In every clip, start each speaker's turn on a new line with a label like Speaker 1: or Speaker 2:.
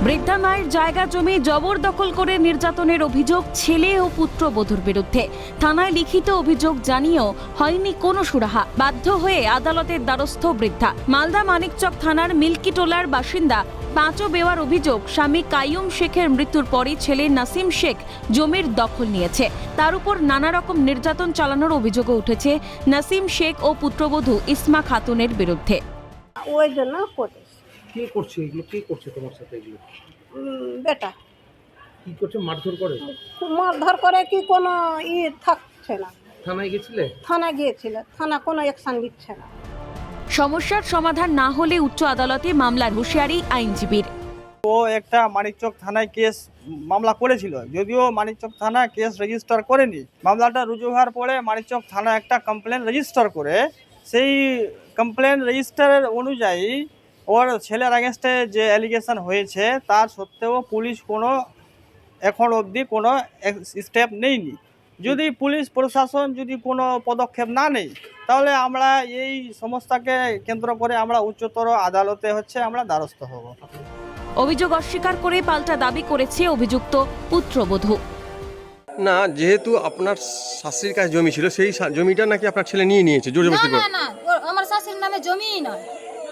Speaker 1: বৃদ্ধা মায়ের জায়গা জমি জবরদখল করে নির্যাতনের অভিযোগ ছেলে ও পুত্রবধূর বিরুদ্ধে। থানায় লিখিত অভিযোগ জানিয়েও হয়নি কোনো সুরাহা। বাধ্য হয়ে আদালতের দ্বারস্থ বৃদ্ধা। মালদা মানিকচক থানার মিল্কিটোলার বাসিন্দা পাঁচও বেওয়ার অভিযোগ, স্বামী কাইয়ুম শেখের মৃত্যুর পরই ছেলে নাসিম শেখ জমির দখল নিয়েছে। তার উপর নানা রকম নির্যাতন চালানোর অভিযোগও উঠেছে নাসিম শেখ ও পুত্রবধূ ইসমা খাতুনের বিরুদ্ধে।
Speaker 2: ওই জন্য করেছে।
Speaker 3: কে করছে এগুলো? কে করছে তোমার সাথে এগুলো?
Speaker 2: বেটা
Speaker 3: কি করছে? মারধর করে?
Speaker 2: মারধর করে কি কোনো থাকছে না।
Speaker 3: থানায় গেছিলে?
Speaker 2: থানা গিয়েছিল, থানা কোনো অ্যাকশন দিচ্ছে না।
Speaker 1: সমস্যার সমাধান না হলে উচ্চ আদালতে মামলার হুঁশিয়ারি আইনজীবীর।
Speaker 4: ও একটা মানিকচক থানায় কেস মামলা করেছিল, যদিও মানিকচক থানা কেস রেজিস্টার করেনি। মামলাটা রুজু হওয়ার পরে মানিকচক থানা একটা কমপ্লেন রেজিস্টার করে, সেই কমপ্লেন রেজিস্টারের অনুযায়ী ওর ছেলের আগেনস্টে যে অ্যালিগেশন হয়েছে তার সত্ত্বেও পুলিশ কোনো এখন অবধি কোনো স্টেপ নেয়নি। যদি পুলিশ প্রশাসন যদি কোনো পদক্ষেপ না নেয় তাহলে আমরা এই সমস্যাকে কেন্দ্র করে আমরা উচ্চতর আদালতে আমরা দ্বারস্থ হব।
Speaker 1: অভিযোগ অস্বীকার করে পাল্টা দাবি করেছে অভিযুক্ত পুত্রবধূ।
Speaker 5: না, যেহেতু আপনার শাশুড়ির কাছে জমি ছিল, সেই জমিটা নাকি আপনার ছেলে নিয়ে নিয়েছে জোর জবরদস্তি করে।
Speaker 6: না, আমার শাশুড়ির নামে জমিই নয়,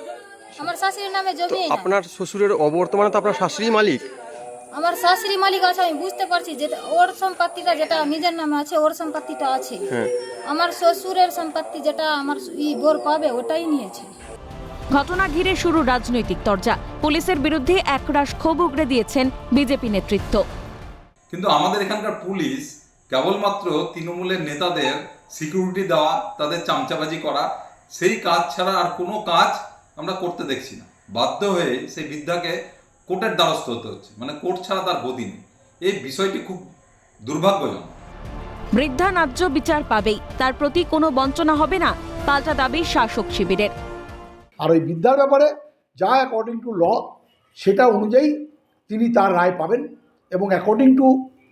Speaker 6: আমার শাশুড়ির নামে জমিই না।
Speaker 5: আপনার শ্বশুরের অবর্তমানে তো আপনার শাশুড়ি মালিক।
Speaker 6: আমার শাশুড়ি মালিক আছে, আমি বুঝতে পারছি যে ওর সম্পত্তিটা যেটা নিজের নামে আছে ওর সম্পত্তিটা আছে। আমার শ্বশুরের সম্পত্তি যেটা আমার বোর পাবে ওটাই নিয়েছে।
Speaker 1: ঘটনা ঘিরে শুরু রাজনৈতিক তরজা। পুলিশের বিরুদ্ধে একরাশ ক্ষোভ উগড়ে দিয়েছেন বিজেপি নেতৃত্ব।
Speaker 7: কিন্তু আমাদের এখানকার পুলিশ কেবলমাত্র তৃণমূলের নেতাদের সিকিউরিটি দেওয়া, তাদের চামচাবাজি করা, সেই কাজ ছাড়া আর কোনো কাজ আমরা করতে দেখছি না। বাধ্য হয়ে সেই বৃদ্ধাকে কোর্টের দ্বারস্থ হতে হচ্ছে, মানে কোর্ট ছাড়া তার গতি নেই। এই বিষয়টি খুব দুর্ভাগ্যজনক।
Speaker 1: বৃদ্ধা ন্যায্য বিচার পাবেই, তার প্রতি কোনো বঞ্চনা হবে না, পাল্টা দাবি শাসক শিবিরের।
Speaker 8: আর ওই বৃদ্ধার ব্যাপারে যা অ্যাকর্ডিং টু ল সেটা অনুযায়ী তিনি তার রায় পাবেন এবং অ্যাকর্ডিং টু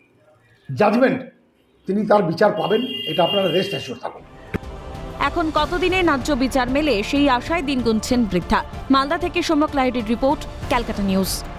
Speaker 8: জাজমেন্ট তিনি তার বিচার পাবেন, এটা আপনারা রেস্ট অ্যাসিওর থাকুন।
Speaker 1: এখন কতদিনে ন্যায্য বিচার মেলে সেই আশায় দিন গুনছেন বৃদ্ধা। মালদা থেকে সৌম্যক লাহিড়ীর রিপোর্ট, ক্যালকাটা নিউজ।